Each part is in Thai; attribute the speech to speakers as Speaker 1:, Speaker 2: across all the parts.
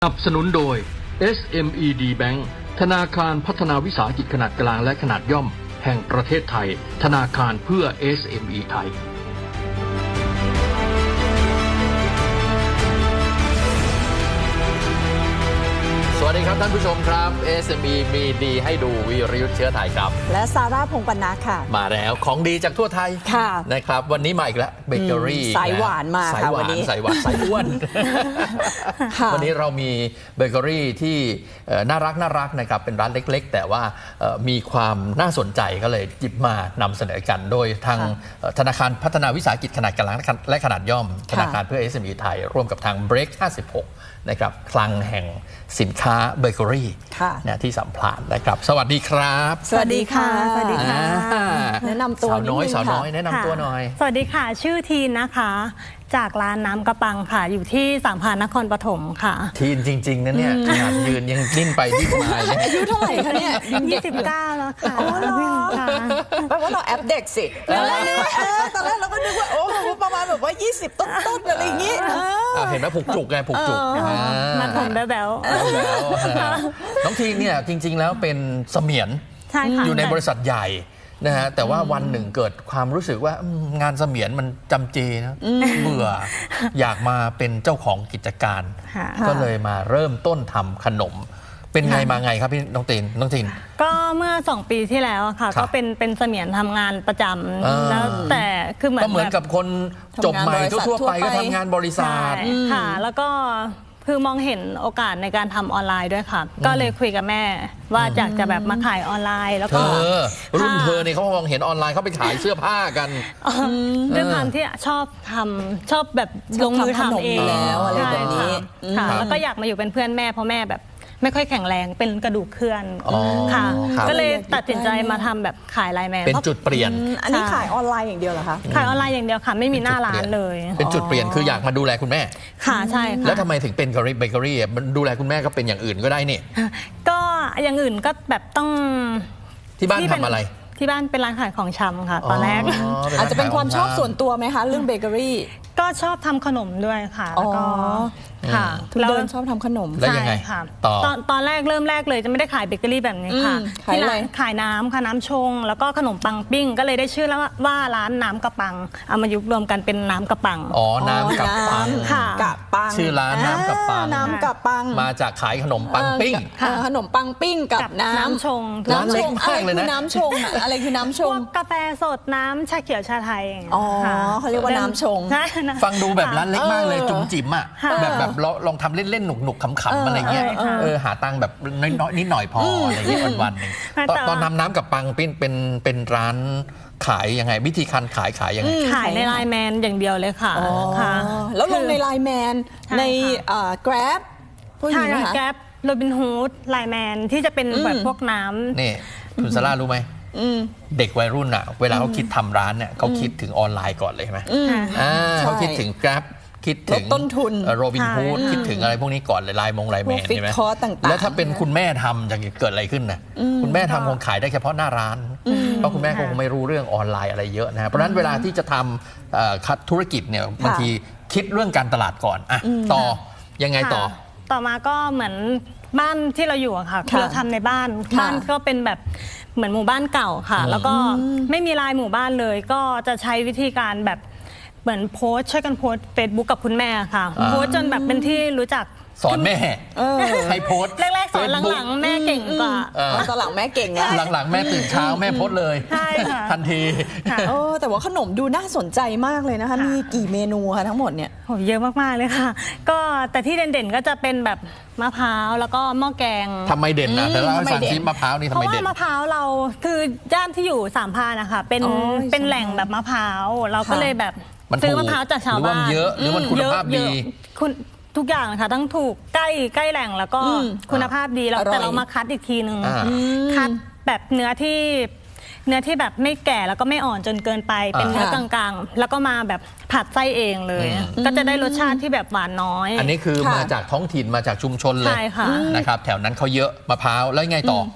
Speaker 1: สนับสนุนโดย SMED Bank ธนาคารพัฒนาวิสาหกิจขนาดกลางและขนาดย่อมแห่งประเทศไทยธนาคารเพื่อ SME ไทย
Speaker 2: สวัสดีครับท่านผู้ชมครับ SME มีดีให้ดูวีรยุทธเชื้อไทยครับ
Speaker 3: และซาร่าพงษ์ปนัสค่ะ
Speaker 2: มาแล้วของดีจากทั่วไทย
Speaker 3: ค่ะ
Speaker 2: นะครับวันนี้มาอีกแล้วเบเกอรี่
Speaker 3: สายหวานมาค่ะวันนี้
Speaker 2: สายหวานสายอ้วนวันนี้เรามีเบเกอรี่ที่น่ารักนะครับเป็นร้านเล็กๆแต่ว่ามีความน่าสนใจก็เลยหยิบมานำเสนอกันโดยทางธนาคารพัฒนาวิสาหกิจขนาดกลางและขนาดย่อมธนาคารเพื่อ SME ไทยร่วมกับทาง Break 56นะครับคลังแห่งสินค้าเบเกอรี่ที่สัมพลานนะครับสวัสดีครับ
Speaker 3: สวัสดีค่ะสวัสดีค่ะแนะนำตัว
Speaker 2: สาวน้อยแนะนำตัวหน่อย
Speaker 4: สวัสดีค่ะชื่อทีนนะคะจากร้านน้ำกระปังค่ะอยู่ที่สามพรานนครปฐมค่ะ
Speaker 2: ทีนจริงๆนะเนี่ยขนาดยืนยังดิ้นไปดิ้นมาเลย
Speaker 3: อายุเท่าไหร่คะเนี่ย
Speaker 4: 29แล้วค่ะ
Speaker 3: อ๋อเหรอแปลว่าเราแอปเด็กสิแล้วเรานึกว่าตอนแรกเราก็นึกว่าโอ้ประมาณแบบว่า20ต้นๆอะไรอย่างงี้
Speaker 2: เห็นไหมผูกจุกไงผูกจุก
Speaker 4: มาผมแบ๊ว
Speaker 2: น้องทีนเนี่ยจริงๆแล้วเป็นเสมียนอยู่ในบริษัทใหญ่นะฮะแต่ว่าวันหนึ่งเกิดความรู้สึกว่างานเสมียนมันจำเจนะเบื่ออยากมาเป็นเจ้าของกิจการก็เลยมาเริ่มต้นทำขนมเป็นไงมาไงครับพี่น้องตีน
Speaker 4: ก็เมื่อ2 ปีที่แล้วค่ะก็เป็นเสมียนทำงานประจำแล้วแต่คือเหมือน
Speaker 2: กับคนจบใหม่ทั่วไปก็ทำงานบริษัท
Speaker 4: ค่ะแล้วก็คือมองเห็นโอกาสในการทำออนไลน์ด้วยค่ะก็เลยคุยกับแม่ว่าอยากจะแบบมาขายออนไลน์แล้วก็
Speaker 2: รุ่นเธอเนี่ยเขามองเห็นออนไลน์เขาไปขายเสื้อผ้ากัน
Speaker 4: ด้วยความที่ชอบแบบลงมือทำเอง
Speaker 3: แล้วอะไรแบบนี้
Speaker 4: ค่ะแล้วก็อยากมาอยู่เป็นเพื่อนแม่เพราะแม่แบบไม่ค่อยแข็งแรงเป็นกระดูกเคลื่อนค่ะก็เลยตัดสินใจมาทำแบบขายไลน์แมน
Speaker 2: เป็นจุดเปลี่ยน
Speaker 3: อันนี้ขายออนไลน์อย่างเดียวเหรอคะ
Speaker 4: ขายออนไลน์อย่างเดียวค่ะไม่มีหน้าร้านเลย
Speaker 2: เป็นจุดเปลี่ยนคืออยากมาดูแลคุณแม่
Speaker 4: ค่ะใช่ค่ะ
Speaker 2: แล้วทำไมถึงเป็นเบเกอรี่ดูแลคุณแม่ก็เป็นอย่างอื่นก็ได้นี่
Speaker 4: ก็อย่างอื่นก็แบบต้อง
Speaker 2: ที่บ้านทำอะไร
Speaker 4: ที่บ้านเป็นร้านขายของชำค่ะตอนแรก
Speaker 3: อาจจะเป็นความชอบส่วนตัวไหมคะเรื่องเบเกอรี่
Speaker 4: ก็ชอบทำขนมด้วยค่ะแล้วก็ค่ะ
Speaker 3: เราชอบทำขนม
Speaker 2: แล้วยังไง
Speaker 4: ตอนแรกเริ่มแรกเลยจะไม่ได้ขายเบเกอรี่แบบนี้ค่ะ
Speaker 3: ที่ร้าน
Speaker 4: ขายน้ำค่ะน้ำชงแล้วก็ขนมปังปิ้งก็เลยได้ชื่อแล้วว่าร้านน้ำกระปังเอามายุบรวมกันเป็นน้ำกระปัง
Speaker 2: น้ำกระปัง
Speaker 4: ค่ะ
Speaker 3: กระปัง
Speaker 2: ชื่อร้านน้ำกระปังมาจากขายขนมปังปิ้ง
Speaker 3: ขนมปังปิ้งกับน้
Speaker 4: ำชง
Speaker 2: ร้านเล็กมากเลยนะ
Speaker 3: น้ำชงอะไรคือน้ำชง
Speaker 4: กาแฟสดน้ำชาเขียวชาไทย
Speaker 3: เขาเรียกว่าน้ำชง
Speaker 2: ฟังดูแบบร้านเล็กมากเลยจุ๋มจิ๋มอ่ะแบบลองทำเล่นๆหนุกๆขำๆอะไรเงี้ยหาตังค์แบบน้อยนิดหน่อยพออะไรเงี้ยวันๆนึงตอนน้ำกับปังเป็นร้านขายยังไงวิธีการขายยังไง
Speaker 4: ขายในไลน์แมนอย่างเดียวเลยค่ะ
Speaker 3: แล้วลงในไลน์แมนในGrab
Speaker 4: พวกนี้นะคะ Grab โรบินฮูดไลน์แมนที่จะเป็นแบบพวกน้ำ
Speaker 2: นี่คุณซาร่ารู้ไหมเด็กวัยรุ่นอ่ะเวลาเขาคิดทำร้านเนี่ยเขาคิดถึงออนไลน์ก่อนเลยใช่ไหมเขาคิดถึง Grabคิดถึง
Speaker 3: ต้นทุน
Speaker 2: โรบินฮูดคิดถึงอะไรพวกนี้ก่อนเลยไลน์แมนใช่ไหมแล้วถ้าเป็นคุณแม่ทำจะเกิดอะไรขึ้นนะคุณแม่ทำคงขายได้เฉพาะหน้าร้านเพราะคุณแม่คงไม่รู้เรื่องออนไลน์อะไรเยอะนะเพราะฉะนั้นเวลาที่จะทำธุรกิจเนี่ยบางทีคิดเรื่องการตลาดก่อนต่อยังไง
Speaker 4: ต่อมาก็เหมือนบ้านที่เราอยู่ค่ะคือเราทำในบ้านก็เป็นแบบเหมือนหมู่บ้านเก่าค่ะแล้วก็ไม่มีลายหมู่บ้านเลยก็จะใช้วิธีการแบบเหมือนโพสช่วยกันโพสเฟซบุ๊กกับคุณแม่ค่ะโพสจนแบบเป็นที่รู้จัก
Speaker 2: สอนแม่ให้โพส
Speaker 4: แรกๆสอนหลังๆแม่เก่งกว่า
Speaker 3: ตอนหลังแม่เก่งนะ
Speaker 2: หลังๆแม่ตื่นเช้าแม่โพสเลยทันที
Speaker 3: แต่ว่าขนมดูน่าสนใจมากเลยนะคะมีกี่เมนูคะทั้งหมดเนี่ย
Speaker 4: เยอะมากๆเลยค่ะก็แต่ที่เด่นๆก็จะเป็นแบบมะพร้าวแล้วก็หม้อแกง
Speaker 2: ทำไมเด่นนะแต่เล่าให้ฟังซิมะพร้าวนี่ทำไมเด่น
Speaker 4: เพราะว่ามะพร้าวเราคือย่านที่อยู่สามพรานนะคะเป็นแหล่งแบบมะพร้าวเราก็เลยแบบซื้อมะพร้าวจากชาวบ้าน
Speaker 2: เยอะหรือมันคุณภาพดี
Speaker 4: ทุกอย่างนะคะทั้งถูกใกล้แหล่งแล้วก็คุณภาพดีแล้วแต่เรามาคัดอีกทีนึงคัดแบบเนื้อที่แบบไม่แก่แล้วก็ไม่อ่อนจนเกินไปเป็นเนื้อกลางๆแล้วก็มาแบบผัดไส้เองเลยก็จะได้รสชาติที่แบบหวานน้อย
Speaker 2: อันนี้คือมาจากท้องถิ่นมาจากชุมชนเลยนะครับแถวนั้นเขาเยอะมะพร้าวแล้วไงต่อ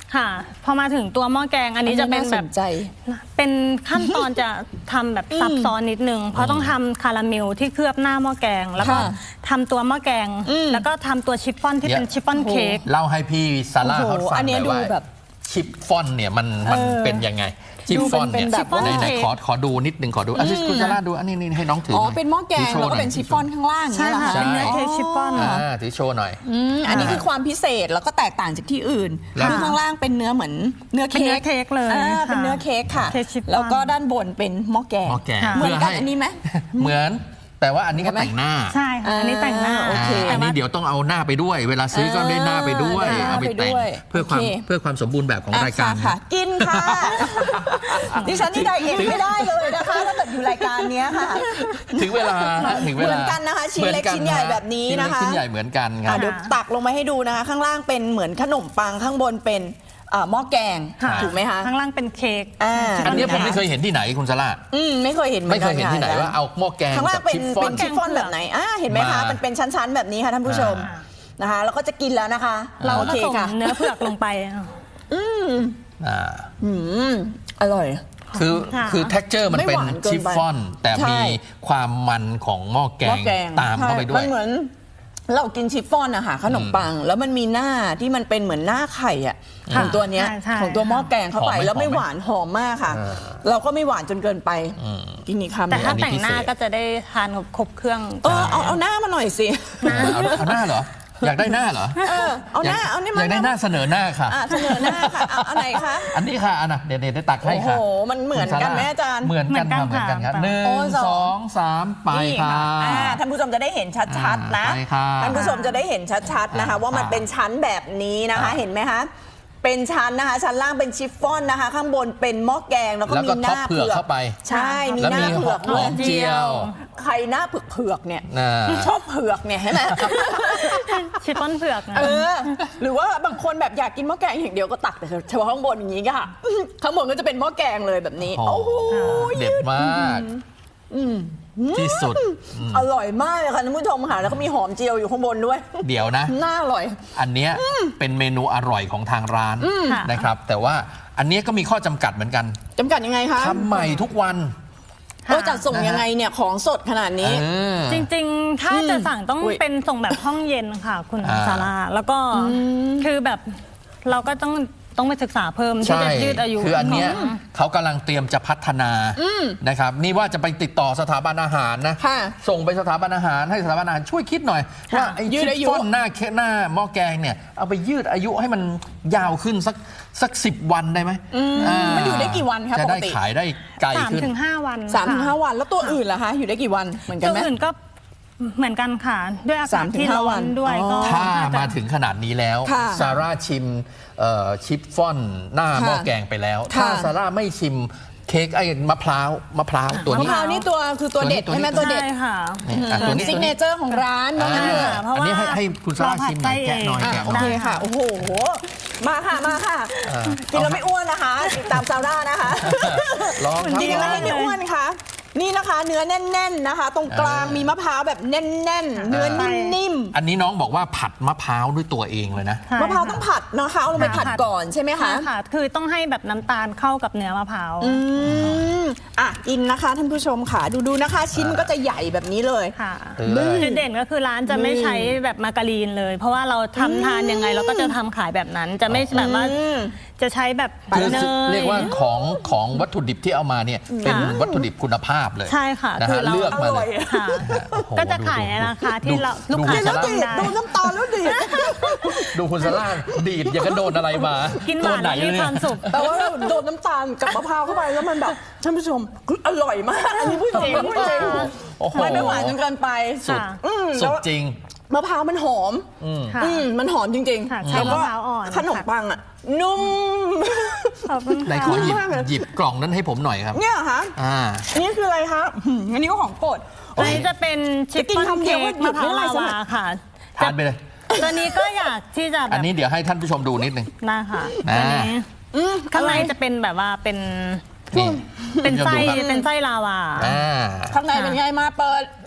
Speaker 4: ค่ะพอมาถึงตัวหม้อแกงอันนี้จะเป็นแบบ
Speaker 3: น่าสนใจ
Speaker 4: เป็นขั้นตอนจะทำแบบซับซ้อนนิดนึงเพราะต้องทำคาราเมลที่เคลือบหน้าหม้อแกง แล้วก็
Speaker 3: ค่ะ
Speaker 4: ทำตัวหม้อแกง แล้วก็ทำตัวชิฟฟ่อนที่เป็นชิฟฟ่อนเค้ก
Speaker 2: เล่าให้พี่ซาร่า
Speaker 3: โอ้โห
Speaker 2: เขาฟัง
Speaker 3: อัน
Speaker 2: ห
Speaker 3: เนี้
Speaker 2: น่
Speaker 3: ย
Speaker 2: อยว่า
Speaker 3: ดูแบบ
Speaker 2: ชิปฟอนเนี่ยมันเป็นยังไงชิปฟอนเนี่ย
Speaker 3: ดูเป็นแบบว่า
Speaker 2: ไหนขอดูนิดนึงขอดูอันนี้คุณซาร่าดูอันนี้ให้น้องถือ
Speaker 3: อ๋
Speaker 2: อ๋
Speaker 3: อเป็นหม้อแกงแล้วก็เป็นชิฟฟ่อนข้างล่าง
Speaker 4: ใช่
Speaker 3: เนี่ยเหรอ
Speaker 4: ค่ะ
Speaker 3: คะ
Speaker 4: เป็นเนื้อเค้กชิฟฟ่อน
Speaker 2: ถือโชว์หน่อย
Speaker 3: อันนี้คือความพิเศษแล้วก็แตกต่างจากที่อื่น
Speaker 2: แล้ว
Speaker 3: คือข้างล่างเป็นเนื้อเหมือนเนื้อ
Speaker 4: เป็น
Speaker 3: เค้
Speaker 4: เนื้อก เค้กเลย
Speaker 3: เป็นเนื้อเค้กค่ะ
Speaker 4: เค้กชิฟฟ่อน
Speaker 3: แล้วก็ด้านบนเป็นหม้อแกง
Speaker 2: หม้อแกง
Speaker 4: ค่ะ
Speaker 3: เหมือนกันอันนี้ไหม
Speaker 2: เหมือนแต่ว่าอันนี้ก็แต่งหน้า
Speaker 4: ใช่ค่ะอันนี้แต่งหน้า
Speaker 3: โอเค
Speaker 2: อันนี้เดี๋ยวต้องเอาหน้าไปด้วย เวลาซื้อก็ได้หน้าไปด้วย
Speaker 3: ได้หน้า
Speaker 2: เอาไปแต่ง
Speaker 3: ไปด้วย
Speaker 2: เพื่อความ
Speaker 3: โอเค
Speaker 2: เพื่อความสมบูรณ์แบบของรายการ
Speaker 3: ค่ะ กินค่ะ ดิฉันนี่ไดเอทไม่ได้เลยนะคะถ้าเกิดอยู่รายการเนี้ยค่ะ
Speaker 2: ถึงเวลาถึงเวลา
Speaker 3: เหมือนกันนะคะชิ้นเล็ก
Speaker 2: หมือ
Speaker 3: ชิ้นใหญ่แบบนี้นะคะ
Speaker 2: ชิ้นเล็กชิ้นใหญ่เหมือนกันครับ
Speaker 3: เดี๋ยวตักลงมาให้ดูนะคะ ข้างล่างเป็นเหมือนขนมปังข้างบนเป็นหม้อแกง
Speaker 4: ค่ะ
Speaker 3: ถูกไหมคะ
Speaker 4: ข้างล่างเป็นเค้ก
Speaker 2: อันนี้ผมไม่เคยเห็นที่ไหนคุณซาร่า
Speaker 3: ไม่เคยเห็น
Speaker 2: ไม่เคยเห็นที่ไหนว่าเอาหม้อแกง
Speaker 3: ข้างล่าง
Speaker 2: กับ
Speaker 3: เป็น
Speaker 2: ชิฟฟ่อน
Speaker 3: ชิฟฟ่อนแบบไหนเห็นไหมคะ
Speaker 2: มามั
Speaker 3: มันเป็นชั้นๆแบบนี้ค่ะท่านผู้ชมนะคะแล้วก็จะกินแล้วนะคะ
Speaker 4: เรา
Speaker 3: โอ
Speaker 4: ผ
Speaker 3: เค
Speaker 4: สม
Speaker 3: ค่ะ
Speaker 4: เนื้อเผือกลงไป
Speaker 2: อ่า
Speaker 3: อร่อย
Speaker 2: คือ
Speaker 4: ค่ะ
Speaker 2: คือ texture มันเป็น
Speaker 3: ไม่หวานเกินไป
Speaker 2: ชิฟฟ่อน แต่
Speaker 3: ใช่
Speaker 2: มีความมันของหม้อแก
Speaker 3: หม้อง แกง
Speaker 2: ตามเข้าไปด้ว
Speaker 3: มั
Speaker 2: ย
Speaker 3: นเหมือนเรากินชิฟฟ่อนอะค่ะขนมปัง แล้วมันมีหน้าที่มันเป็นเหมือนหน้าไข่อะของตัวเนี้ย
Speaker 4: ใช่
Speaker 3: ของตัวหม้อแกงเข้าไป
Speaker 2: หอมไหม
Speaker 3: แล้วไม่หวานหอมมากค่ะ เราก็ไม่หวานจนเกินไปกินอีกคำ
Speaker 4: แต่ถ้า
Speaker 2: อันนี้
Speaker 4: แต่งหน้า
Speaker 2: พิเศษ
Speaker 4: ก็จะได้ทานครบเครื่อง
Speaker 3: เอาหน้ามาหน่อยสิ
Speaker 2: เอาหน้าเหรอ อยากได้หน้าเหรอ
Speaker 3: เอาหน้าเอานี่
Speaker 2: อ
Speaker 3: มาย
Speaker 2: ากได้หน้าเสนอหน้าค่ะ
Speaker 3: เสนอหน้าค่ะเอาไหนคะ
Speaker 2: อันนี้ค่ะอันน่ะเดี๋ยวได้ตักให้
Speaker 3: โอ้โห
Speaker 2: ค่ะ
Speaker 3: มันเหมือนกันไหมอาจารย์
Speaker 2: เหมือนกันค่ะเหมือนกันครับ
Speaker 4: ค่ะ
Speaker 2: หนึ่ง
Speaker 3: โอ้สอง
Speaker 2: สองสามไป
Speaker 3: นี่
Speaker 2: ค่ะ
Speaker 3: ท่านผู้ชมจะได้เห็นชัดๆนะ
Speaker 2: ไปค่ะ
Speaker 3: ท่านผู้ชมจะได้เห็นชัดๆนะคะ ว่ามันเป็นชั้นแบบนี้นะคะ เห็นไหมคะเป็นชั้นนะคะชั้นล่างเป็นชิฟฟ่อนนะคะ ข้างบนเป็นหม้อแกงแล้วก็
Speaker 2: แล้ว
Speaker 3: มี
Speaker 2: ก็
Speaker 3: ห
Speaker 2: ท็อป
Speaker 3: น้า
Speaker 2: เผือกเข้าไป
Speaker 3: ใช่มี
Speaker 2: แล้ว
Speaker 3: หน้า
Speaker 2: มี
Speaker 3: เผือก
Speaker 2: ห
Speaker 3: ด้
Speaker 2: อ
Speaker 3: วย
Speaker 2: มเจียว
Speaker 3: ใครหน้าเผือกๆเนี่ย
Speaker 2: น่ะ
Speaker 3: ชอบเผือกเนี่ยใช่ไหม
Speaker 4: ชิฟฟ่อนเผือกนะ
Speaker 3: หรือว่าบางคนแบบอยากกินหม้อแกงอย่างเดียวก็ตักแต่เฉพาะข้างบนอย่างนี้ค่ะ ข้างบนก็จะเป็นหม้อแกงเลยแบบนี้
Speaker 2: โอ้
Speaker 3: โอ้
Speaker 2: โห
Speaker 3: โห
Speaker 2: เด็ดมากที่สุด
Speaker 3: อร่อยมากเลยค่ะท่านผู้ชมค่ะแล้วก็มีหอมเจียวอยู่ข้างบนด้วย
Speaker 2: เดี๋ยวนะ
Speaker 3: น่าอร่อย
Speaker 2: อันเนี้ยเป็นเมนูอร่อยของทางร้าน
Speaker 4: ค่ะ
Speaker 2: นะครับ แต่ว่าอันเนี้ยก็มีข้อจำกัดเหมือนกัน
Speaker 3: จำกัดยังไงคะ
Speaker 2: ทำใหม่ทุกวัน
Speaker 3: จัดส่งยังไงเนี่ยของสดขนาดนี้
Speaker 4: จริงๆ ถ้าจะสั่งต้อง
Speaker 3: อุ๊ย
Speaker 4: เป็นส่งแบบห้องเย็นค่ะ คุณ
Speaker 2: อ่า
Speaker 4: ซาร่าแล้วก็คือแบบเราก็ต้องไปศึกษาเพิ่มที่
Speaker 2: ใช่
Speaker 4: จะยืดอายุ
Speaker 2: คืออันเนี้ย
Speaker 4: ของ
Speaker 2: เขากำลังเตรียมจะพัฒนานะครับ นี่ว่าจะไปติดต่อสถาบันอาหารนะ
Speaker 3: ค่ะ
Speaker 2: ส่งไปสถาบันอาหารให้สถาบันอาหารช่วยคิดหน่อย ว่าไอ้
Speaker 3: ยื
Speaker 2: ชิ
Speaker 3: ด
Speaker 2: ฟ
Speaker 3: อายุ
Speaker 2: ฟ่อนหน้าหม้อแกงเนี่ยเอาไปยืดอายุให้มันยาวขึ้นสัก10 วันได้ไหม
Speaker 3: มันอยู่ได้กี่วันคะ
Speaker 2: จะได้
Speaker 3: ปกติ
Speaker 2: ขายได้ไกลขึ้น
Speaker 4: 3-5 วัน
Speaker 3: 3-5 วันแล้วตัวอื่นล่ะคะอยู่ได้กี่วันเหมือนกัน
Speaker 4: ตัว
Speaker 3: ไหม
Speaker 4: อื่นก็เหมือนกันค่ะ ด้วยอากาศที่
Speaker 3: 3-5
Speaker 4: ร้
Speaker 3: วั
Speaker 4: อน นด้วย
Speaker 3: อ๋อ
Speaker 4: ก็
Speaker 2: ถ้า
Speaker 4: น่จะ
Speaker 2: มาถึงขนาดนี้แล้ว
Speaker 3: ค่ะ
Speaker 2: ซาร่าชิมชิฟฟ่อนหน้า
Speaker 3: ค่ะ
Speaker 2: หม้อแกงไปแล้ว
Speaker 3: ค่ะ
Speaker 2: ถ้าซาร่าไม่ชิมเค้กไอ้มะพร้าวตัว
Speaker 3: มะ
Speaker 2: นี้
Speaker 3: พร้าวนี่ตัวคือตัวเด็ด
Speaker 2: ตัวนี้
Speaker 3: ใช่ไหมตัวเด็ด
Speaker 4: ใช่ค่ะ
Speaker 2: ตัวนี้
Speaker 3: ซิกเนเจอร์ของร้านว่างั้นเถอะ
Speaker 4: เพราะว่า
Speaker 2: อันนี้ให้คุณซาร่าชิมหน่อยแกะหน่อย
Speaker 4: เราผัดไส้
Speaker 2: แกะ
Speaker 3: โอ
Speaker 2: หน่
Speaker 3: เค
Speaker 2: อย
Speaker 3: ค่ะ โอ้โห มาค่ะ มาค่ะ กินแล้วไม่อ้วนนะคะติดตามซาร่านะคะ
Speaker 2: ลองครับ
Speaker 3: กินแล้วไม่อ้วนค่ะ นี่นะคะ เนื้อแน่นๆนะคะ ตรงกลางมีมะพร้าวแบบแน่นๆ เนื้อนิ่ม
Speaker 2: อันนี้น้องบอกว่าผัดมะพร้าวด้วยตัวเองเลยนะ
Speaker 4: ใช่
Speaker 3: ๆ มะพร้าวต้องผัดนะคะเอาลงไปผัดก่อนใช่ไหมคะ
Speaker 4: ค่ะ คือต้องให้แบบน้ำตาลเข้ากับเนื้อมะพร้าว
Speaker 3: กินนะคะท่านผู้ชมค่ะ ดูนะคะ ชิ้นมันก็จะใหญ่แบบนี้เลย
Speaker 4: ค่ะ
Speaker 2: เลย
Speaker 4: จุดเด่นก็คือร้านจะไม่ใช้แบบมาการีนเลย เพราะว่าเราทำทานยังไงเราก็จะทำขายแบบนั้น จะไม่แบบว่าจะใช้แบบ
Speaker 2: คือ
Speaker 4: เนย
Speaker 2: เรียกว่าของวัตถุดิบที่เอามาเนี่ยเป็นวัตถุดิบคุณภาพเลย
Speaker 4: ใช่ค่ะ
Speaker 2: นะ
Speaker 4: คื
Speaker 2: ฮะ
Speaker 4: อเรา
Speaker 2: เลือกมาเลย
Speaker 4: ค่ะ
Speaker 2: โอ้โห
Speaker 4: ก็จะขายในราคาที่เราลูกค้า
Speaker 2: ดู
Speaker 4: จะ
Speaker 2: แล้ว
Speaker 4: ต้องได้
Speaker 3: ดูน้ำตาลแล้วดิ
Speaker 2: ดูคุณซาร่าดีดอย่างกับโดนอะไรมา
Speaker 4: กิ
Speaker 2: กิ
Speaker 4: นหวานแล้วมีความสุข
Speaker 3: แต่ว่าโดนน้ำตาลกับมะพร้าวเข้าไปแล้วมันแบบท่านผู้ชมคืออร่อยมาก อันนี้พูดจริงพูดจริง
Speaker 2: โอ้โห
Speaker 3: ไม่หวานจนเกินไป
Speaker 2: สุด
Speaker 4: ค่ะ
Speaker 2: สุดจริง
Speaker 3: มะพร้าวมันหอม
Speaker 4: ค่ะ
Speaker 3: มันหอมจริง
Speaker 4: ค่ะ
Speaker 3: ๆ
Speaker 4: ใช้
Speaker 3: แล้วก็
Speaker 4: มะพร้าวอ่อน
Speaker 3: ขนมปังอ่ะ นุ่ม
Speaker 4: ขอบคุณ
Speaker 2: ไหน
Speaker 4: ค่ะ
Speaker 2: ขอหยิบ
Speaker 3: มากเลย
Speaker 2: หยิบกล่องนั้นให้ผมหน่อยครับ
Speaker 3: เนี่ยเหรอคะ นี่คืออะไรคะอันนี้ก็ของโปรด
Speaker 4: อันนี้จะเป็นชิป
Speaker 3: จะกิน
Speaker 4: ป้อน
Speaker 3: คำเดี
Speaker 4: เค้
Speaker 3: ยวก็
Speaker 4: ก
Speaker 3: หยุ
Speaker 4: มะ
Speaker 3: ด
Speaker 4: พ
Speaker 3: ไม่
Speaker 4: ร้าว
Speaker 3: ได้
Speaker 4: ลา
Speaker 3: ใช่ไหม
Speaker 4: วาค่ะ
Speaker 2: ทานไปเลย
Speaker 4: ตัวนี้ก็อยากที่จะแบ
Speaker 2: อัน
Speaker 4: บ
Speaker 2: นี้เดี๋ยวให้ท่านผู้ชมดูนิดนึง
Speaker 4: นะคะ
Speaker 2: นะ
Speaker 4: ตัวนี้ข้างในจะเป็นแบบว่าเป็น
Speaker 2: นี่
Speaker 4: เป็นไส้
Speaker 2: ท่านผู้ชมดูครับ
Speaker 4: เป็นไส้ลาวา
Speaker 2: อ่า
Speaker 3: ข้างในเป็นไงมาเปิด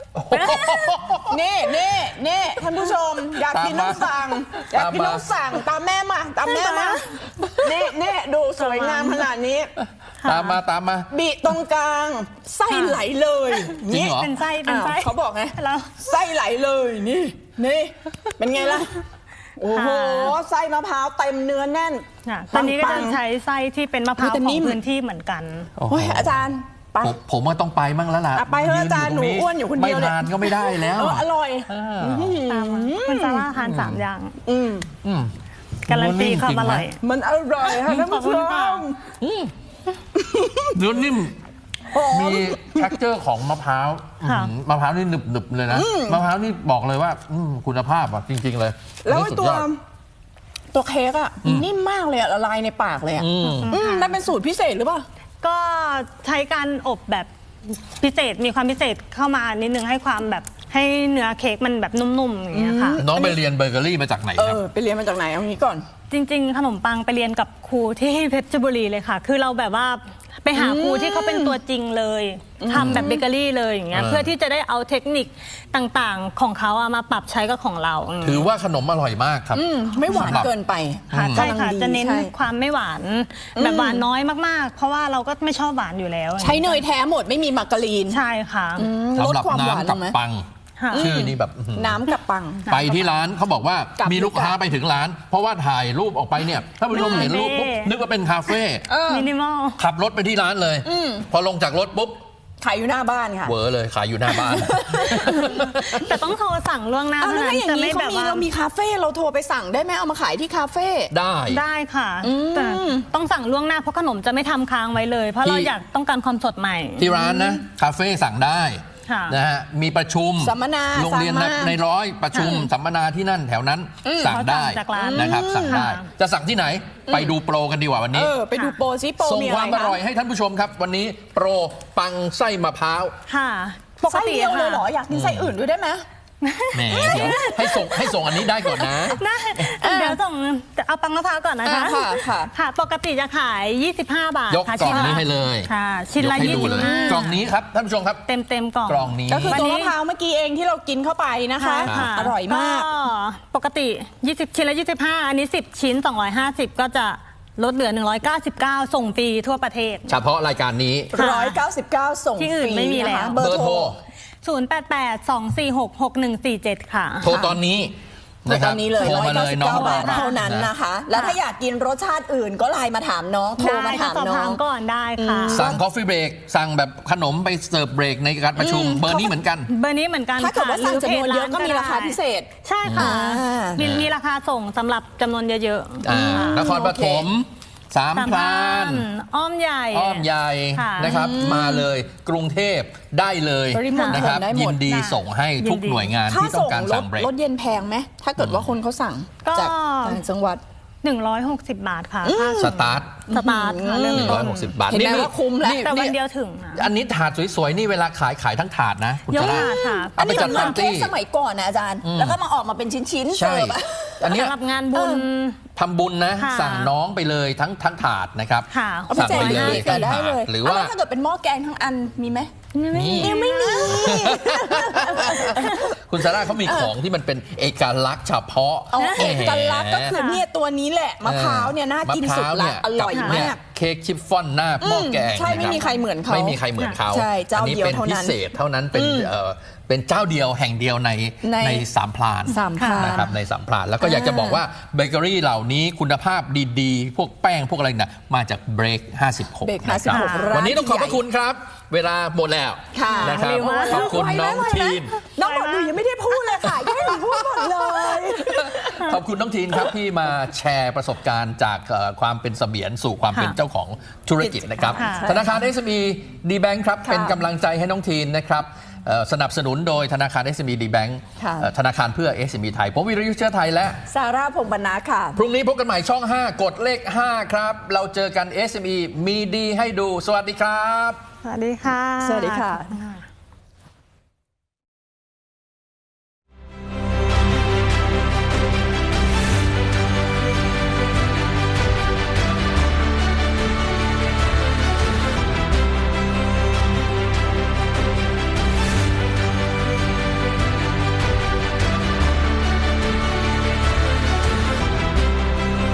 Speaker 3: นี่ท่านผู้ชมอยากกินต้องสั่งตามแม่มานี่ดูสวยงามขนาดนี้
Speaker 2: ตามมา
Speaker 3: บิตรงกลางไส้ไหลเลย
Speaker 2: นี่
Speaker 4: เป็นไส้
Speaker 3: เขาบอกไงไส้ไหลเลยนี่เป็นไงล่ะโอ้โหไส้มะพร้าวเต็มเนื้อแน่น
Speaker 4: ตอนนี้ก็จะใช้ไส้ที่เป็นมะพร้าวของพื้นที่เหมือนกัน
Speaker 3: โอ้ยอาจารย์
Speaker 2: ผมว่าต้องไปมั่งแล้วล่ะ
Speaker 3: ไปเถอะอาจารย์หนูอ้วนอยู่คนเดียว
Speaker 2: ไม่ทานก็ไม่ได้แล้ว
Speaker 3: อร่อย
Speaker 4: คุณซาร่าทาน3 อย่างการันตีความอร่อย
Speaker 3: มันอร่อยค่ะท่านผู้ชม
Speaker 2: เนื้อนิ่มมี texture ของมะพร้าวนี่หนึบเลยนะมะพร้าวนี่บอกเลยว่าคุณภาพอ่ะจริงๆเลย
Speaker 3: แล้วตัวเค้กอ่ะนิ่มมากเลยละลายในปากเลยอ่ะนั่นเป็นสูตรพิเศษหรือเปล่า
Speaker 4: ก็ใช้การอบแบบพิเศษมีความพิเศษเข้ามานิดนึงให้ความแบบให้เนื้อเค้กมันแบบนุ่มๆอย่างเงี้ยค่ะ
Speaker 2: น้องไปเรียนเบเกอรี่มาจากไหนครับ
Speaker 3: ไปเรียนมาจากไหนเอางี้ก่อน
Speaker 4: จริงๆขนมปังไปเรียนกับครูที่เพชรบุรีเลยค่ะคือเราแบบว่าไปหาครูที่เขาเป็นตัวจริงเลยทำแบบเบเกอรี่เลยอย่างเงี้ยเพื่อที่จะได้เอาเทคนิคต่างๆของเขามาปรับใช้กับของเรา
Speaker 2: ถือว่าขนมอร่อยมากครับ
Speaker 3: ไม่หวานเกินไป
Speaker 4: ใช่ค่ะจะเน้นความไม่หวานแบบหวานน้อยมากๆเพราะว่าเราก็ไม่ชอบหวานอยู่แล้ว
Speaker 3: ใช้เนยแท้หมดไม่มีมาการีน
Speaker 4: ใช่ค่ะ
Speaker 2: ลดความหวานกับปังชื่อนี้แบบ
Speaker 3: น้ำกับปัง
Speaker 2: ไปที่ร้านเขาบอกว่ามีลูกค้าไปถึงร้านเพราะว่าถ่ายรูปออกไปเนี่ยถ้าผู้ชมเห็นรูปปุ๊บนึกว่าเป็นคาเฟ่
Speaker 4: มินิมอล
Speaker 2: ขับรถไปที่ร้านเลยพอลงจากรถปุ๊บ
Speaker 3: ขายอยู่หน้าบ้านค่ะ
Speaker 2: เวอร์เลยขายอยู่หน้าบ้าน
Speaker 4: แต่ต้องโทรสั่งล่วงหน้าเท่านั้น
Speaker 3: จะไม่แบบว่าเรามีคาเฟ่เราโทรไปสั่งได้ไหมเอามาขายที่คาเฟ่
Speaker 4: ได้ค่ะแต่ต้องสั่งล่วงหน้าเพราะขนมจะไม่ทำค้างไว้เลยเพราะเราอยากต้องการความสดใหม่
Speaker 2: ที่ร้านนะคาเฟ่สั่งได้นะฮะมีประชุม
Speaker 3: สัมมนา
Speaker 2: โรงเรียนในร้อยประชุมสัมมนาที่นั่นแถวนั้นสั่งได้นะครับสั่งได้จะสั่งที่ไหนไปดูโปรกันดีกว่าวันนี้
Speaker 3: ไปดูโปรซิโปร
Speaker 2: ส่งความอร่อยให้ท่านผู้ชมครับวันนี้โปรปังไส้มะพร้าว
Speaker 4: ค่ะ
Speaker 3: ปกติเลยเหรออยากกินไส้อื่นด้วยได้ไหม
Speaker 2: แหมเดี๋ยวให้ส่งอันนี้ได้ก่อนนะ
Speaker 4: เดี๋ยวส่งเอาปังมะพร้าวก่อนนะคะค่ะปกติจะขาย25 บาท
Speaker 2: ยกกล่องนี้ให้เลย
Speaker 4: ค่ะชิ้นละ25
Speaker 2: กล่องนี้ครับท่านผู้ชมครับ
Speaker 4: เต็มกล่อง
Speaker 2: กล่องนี้
Speaker 3: ก็คือตัวมะพร้าวเมื่อกี้เองที่เรากินเข้าไปนะคะอร่อยมาก
Speaker 4: ปกติ20ชิ้นละ25อันนี้10ชิ้น250ก็จะลดเหลือ199ส่งฟรีทั่วประเทศ
Speaker 2: เฉพาะรายการนี้
Speaker 3: 199ส่งฟรี
Speaker 4: ที่อื่นไม่มีแล้ว
Speaker 2: เบอร์โทร
Speaker 4: 0882466147ค่ะ
Speaker 2: โทรตอนนี้
Speaker 3: ตอนนี้เลย
Speaker 2: 199
Speaker 3: บาทเท่านั้นนะคะแล้วถ้าอยากกินรสชาติอื่นก็ไลน์มาถามน้องโทรมาถามน้อง
Speaker 4: ก่อนได้ค่ะ
Speaker 2: สั่งคอฟฟี่เบรกสั่งแบบขนมไปเสิร์ฟเบรกในการประชุมเบอร์นี้เหมือนกัน
Speaker 3: ถ้าเกิดว่าสั่งจำนวนเยอะก็มีราคาพิเศษ
Speaker 4: ใช่ค่ะมีราคาส่งสำหรับจำนวนเยอะ
Speaker 2: ๆนครปฐมสามพราน
Speaker 4: อ้อมใหญ่
Speaker 2: นะครับมาเลยกรุงเทพได้เลยนะครับยินดีส่งให้ทุกหน่วยงานที่ต้องการสั่งเบรก
Speaker 3: รถเย็นแพงไหมถ้าเกิดว่าคนเขาสั่งจากต่างจังหวัด
Speaker 4: 160 บาทค่ะ
Speaker 2: สตาร์ท
Speaker 4: ค่ะเรื่อง
Speaker 2: 160 บาท
Speaker 3: นี่ว่าคุ้มแล้ว
Speaker 4: แต่วันเดียวถึง
Speaker 2: อันนี้ถาดสวยๆนี่เวลาขายทั้งถาดนะ
Speaker 4: ยกถาดค่ะ
Speaker 3: อันนี้เหมือนเค้กสมัยก่อนนะอาจารย์แล้วก็มาออกมาเป็นชิ้นๆ
Speaker 2: ใช่อันนี้
Speaker 4: สำหรับงานบุญ
Speaker 2: ทำบุญนะสั่งน้องไปเลยทั้งถาดนะครับ
Speaker 3: สั่งไปเลย
Speaker 2: ทั้งถาดหรือว่า
Speaker 3: ถ้าเกิดเป็นหม้อแกงทั้งอันมีไหม
Speaker 4: ยังไม่มี
Speaker 2: คุณซาร่าเขามีของที่มันเป็นเอกลักษณ์เฉพาะ
Speaker 3: เอกลักษณ์ก็คือเนี่ยตัวนี้แหละมะพร้าวเนี่ยน่ากินสุดละอร่อยมาก
Speaker 2: เค้กชิฟฟ่อนหน้าหม้อแกง
Speaker 3: ใช่ไม่มีใครเหมือนเขา
Speaker 2: ไม่มีใครเหมือนเขา
Speaker 3: ใช่เจ้าเดียวเท่านั้น
Speaker 2: อันนี้เป็นพิเศษเท่านั้นเป็นเจ้าเดียวแห่งเดียวในสามพรานนะครับในสามพรานแล้วก็อยากจะบอกว่าเบเกอรี่เหล่านี้คุณภาพดีๆพวกแป้งพวกอะไรน่ะมาจากเบรก56นะครับวันนี้ต้องขอบพระคุณครับเวลาหมดแล้วนะครับขอบคุณน้องทีน
Speaker 3: น้องบอกหนูยังไม่ได้พูดเลยค่ะยังไม่ได้พูดหมดเลย
Speaker 2: ขอบคุณน้องทีนครับที่มาแชร์ประสบการณ์จากความเป็นเสมียนสู่ความเป็นเจ้าของธุรกิจนะครับธนาคาร SME D Bank ครับเป็นกำลังใจให้น้องทีนนะครับสนับสนุนโดยธนาคาร SME D Bank ธนาคารเพื่อ SME ไทยผมวิรยุทธเชื้อไทยและ
Speaker 3: ซาร่าพงษ์บรรณาค่ะ
Speaker 2: พรุ่งนี้พบกันใหม่ช่อง 5 กดเลข 5 ครับเราเจอกัน SME มีดีให้ดูสวัสดีครับ
Speaker 4: สวัสดีค่ะ
Speaker 3: สวัสดีค่ะ